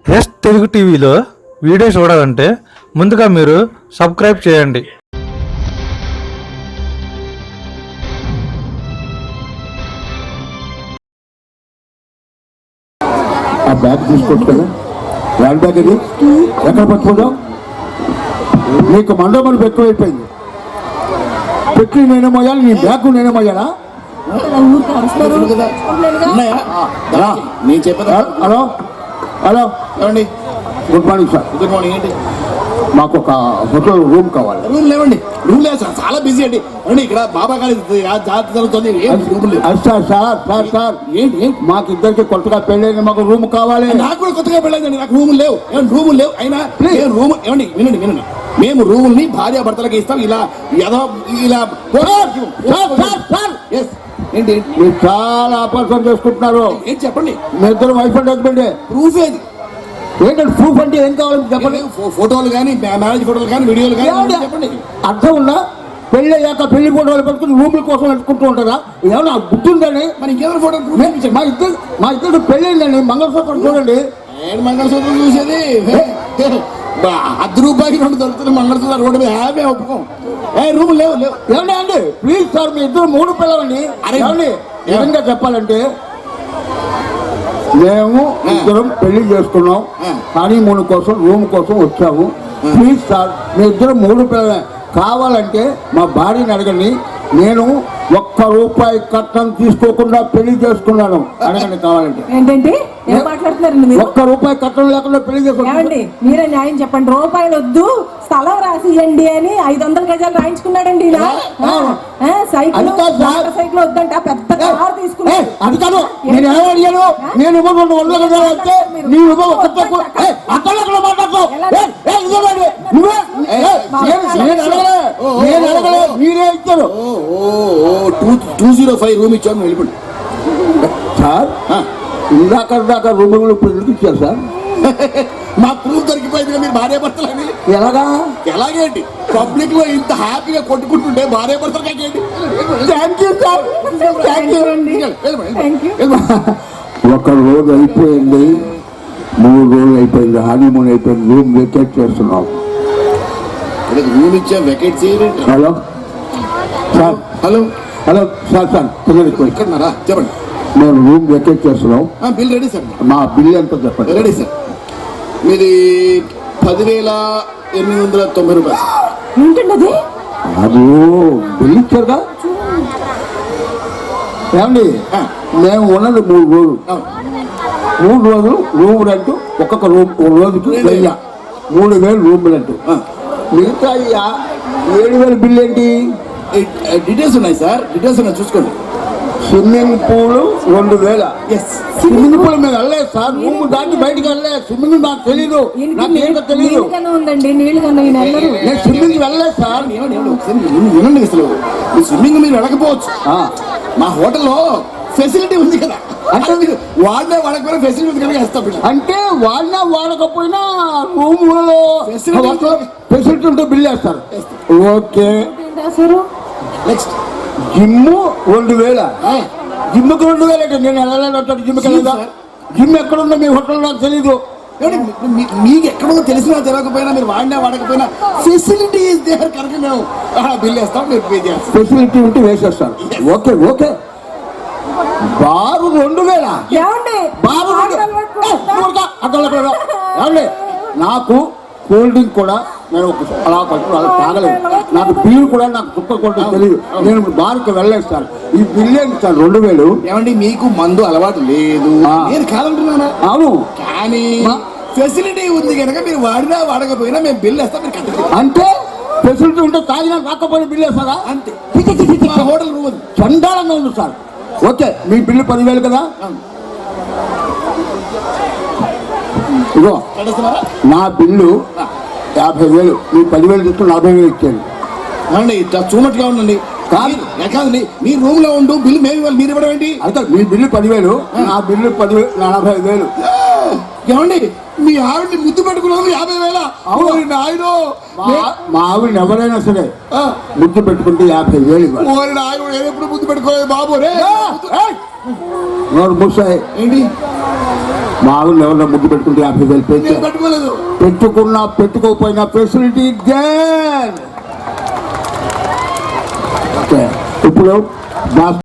Yes Telugu టీవీలో video చూడాలంటే ముందుగా మీరు సబ్స్క్రైబ్ చేయండి. ఆ బ్యాగ్ తీసుకోవచ్చు కదా, హ్యాండ్ బ్యాగ్ ఇది ఎక్కడ పట్టుకుందాం? నీకు మండపం ఎక్కువైపోయింది. పెట్టి నేనే మోయాలి, నీ బ్యాగ్ నేనే మోయాలా? నేను చెప్పదా? హలో హలో, ఏమండి? Good morning sir. Good morning. ఏంటి? మాకు ఒక హోటల్ రూమ్ కావాలి. రూమ్ లేవండి, రూమ్ లేదు సార్, చాలా బిజీ అండి. అండి ఇక్కడ బాబా గారి జాతర జరుగుతుంది. సార్ సార్ సార్ సార్ ఏంటి? మాకు ఇద్దరికి కొత్తగా పెళ్ళైంది, మాకు రూమ్ కావాలి. నాకు కూడా కొత్తగా పెళ్ళైందండి, నాకు రూములు లేవు. ఏమండి రూములు లేవు? అయినా రూమ్ ఏమండి వినండి, మేము రూముల్ని భార్య భర్తలకి ఇస్తాం. ఇలా ఇలా ఏంటి మీరు చాలా అపార్థం చేసుకుంటున్నారు. ఏంటి చెప్పండి? మీ ఇద్దరు వైఫ్ అండ్ హస్బెండ్. ప్రూఫ్ ఏది? ఏంటంటే ప్రూఫ్ అంటే ఏం కావాలి చెప్పండి. ఫోటోలు కానీ, మ్యారేజ్ ఫోటోలు కానీ, వీడియోలు కానీ చెప్పండి. అర్థం ఉందా? పెళ్ళి అయ్యాక పెళ్లి ఫోటోలు పెట్టుకుని రూముల కోసం పెట్టుకుంటూ ఉంటారా? ఏమన్నా గుర్తుందని? మరి ఇంకేమైనా ఫోటో? మా ఇద్దరు పెళ్ళైందండి, మంగళసూత్రం చూడండి. నేను మంగళసూత్రం చూసేది ₹10 2 దొరుకుతుంది మంగళసూత్రం రోడ్డు మీద. హ్యాపీ ఒప్పుకోం. రూమ్ లేవు లేవు. ఏమండి అండి ప్లీజ్ సార్, మీ ఇద్దరు 3 పిల్లలండి. ఏమండి నిజంగా చెప్పాలంటే మేము ఇద్దరం పెళ్లి చేసుకున్నాం, కానీ 3 కోసం రూమ్ కోసం వచ్చాము. ప్లీజ్ సార్, మీ ఇద్దరు 3 పిల్లలే. కావాలంటే మా భార్యని అడగండి. నేను ₹1 కట్నం తీసుకోకుండా పెళ్లి చేసుకున్నాను, అడగండి కావాలంటే. ఏంటంటే ఏం మాట్లాడుతున్నారండి మీరు? ₹1 కట్నం లేకుండా పెళ్లి చేసుకున్నాను. మీరే న్యాయం చెప్పండి. రూపాయలు వద్దు, స్థలం రాసియండి అని 500 గజాలు రాయించుకున్నాడండి. సైకిల్ వద్దంట, పెద్ద కారు తీసుకున్నాడు. అది కాదు, నేను ఏమో అడిగాను. నేను 200 గజాలు అంటే నేను అడగలే, మీరే ఇచ్చారు. 205 రూమ్ ఇచ్చాము, వెళ్ళిపోండి సార్. ఇందాక రూములు ఇప్పుడు ఇచ్చారు సార్. మా ప్రూఫ్ దొరికిపోయింది. మీరు భార్య భర్తలని ఎలాగా? ఎలాగేంటి? పబ్లిక్ లో ఇంత హ్యాపీగా కొట్టుకుంటుంటే భార్య భర్తలు కాకేంటి? Thank you sir, thank you. ఒక రోజు అయిపోయింది, 3 రోజులు అయిపోయింది, హనీమూన్ అయిపోయింది, రూమ్ వెకేట్ చేస్తున్నాం. రూమ్ ఇచ్చా, వెకేట్ చేయండి. Hello sir. Hello hello sir. Sir ఎక్కడున్నారా చెప్పండి. మేము రూమ్ వెకేట్ చేస్తున్నాం. Bill ready sir. మా బిల్ ఎంత చెప్పండి? Ready sir. మీది ₹10,890. ఏంటండి అది? అది బిల్ ఇచ్చారుగా. ఏమండి మేము ఉన్నది 3 రోజులు. 3 రోజులు రూమ్ రెంట్, ఒక్కొక్క రూమ్ రోజుకి 3,000 రూమ్ రెంట్. మిగతా 7,000 బిల్ ఏంటి? డీటెయిల్స్ ఉన్నాయి సార్, డీటెయిల్స్ ఉన్నాయి చూసుకోండి. Swimming pool 2,000. స్విమ్మింగ్ పూల్ మేము వెళ్ళలేదు సార్, రూమ్ దాటి బయటకు వెళ్ళలేదు. స్విమ్మింగ్ నాకు తెలీదు, నాకేంటో తెలీదు. నేను స్విమ్మింగ్ వెళ్ళలేదు సార్. వినండి, అసలు స్విమ్మింగ్ మీరు వెళ్ళకపోవచ్చు. మా హోటల్లో ఫెసిలిటీ ఉంది కదా, అంటే మీరు వాడినా వాడకపోయినా ఫెసిలిటీ ఉంది కదా వేస్తాం. అంటే వాడినా వాడకపోయినా రూములలో ఫెసిలిటీ ఉంటే బిల్ వేస్తారు. ఓకే. Next gym 2,000. జిమ్కి 2,000 అంటే నేను వెళ్ళలేదు. జిమ్కి వెళ్ళదా? జిమ్ ఎక్కడుందో మీ హోటల్లో నాకు తెలీదు. మీకు ఎక్కడో తెలిసినా తెలియకపోయినా, మీరు వాడినా వాడకపోయినా ఫెసిలిటీ దేర్ కనుక మేము బిల్ వేస్తాం, మీరు పే చేస్తాం. ఫెసిలిటీ ఉంటే వేసేస్తాను. Okay okay. బారు 2,000. బారు ఏమండి, నాకు కూల్ డ్రింక్ కూడా నేను అలా తాగలేదు. నాకు బీర్ కూడా నాకు చుక్క కొట్టడం తెలియదు. నేను బార్కి వెళ్ళేస్తాను. ఈ బిల్ ఏంటి సార్ 2,000? ఏమండి మీకు మందు అలవాటు లేదు, నేను కాదంటున్నాను. అవును, కానీ ఫెసిలిటీ ఉంది కనుక మీరు వాడినా వాడకపోయినా మేము బిల్ వేస్తాం, మీరు కట్టాలి. అంటే ఫెసిలిటీ ఉంటే తాగినా రాకపోయినా బిల్ వేస్తారా? అంతే. హోటల్ రూమ్ చండాలంగా ఉంది సార్. ఓకే, మీ బిల్లు 10,000 కదా. ఇగో నా బిల్లు 50,000, మీ 10,000 తీసుకుని 40,000 ఇచ్చాను. అండి చూనట్టుగా ఉండండి. కాదండి, మీ రూమ్ లో ఉండు, బిల్లు మేము ఇవ్వాలి, మీరు ఇవ్వడం ఏంటి? అయితే మీ బిల్లు 10,000, నా బిల్లు 40,000. ఏమండి మీ ఆవిడ్ని ముద్దు పెట్టుకున్నాము 50,000? అవును నాయన, మా ఆవిడ ఎవరైనా సరే ముద్దు పెట్టుకుంటే 50,000 ఇవ్వాలి. ఆయన ఎప్పుడు ముద్దు పెట్టుకోలేదు బాబు. రే నోరు మూసాయి. ఏంటి మా ఆవిడ ఎవరన్నా ముద్దు పెట్టుకుంటే 50,000 పెంచా నేను పెట్టుకోలేదు. పెట్టుకున్నా పెట్టుకోకపోయినా ఫెసిలిటీ దేర్. ఓకే ఇప్పుడు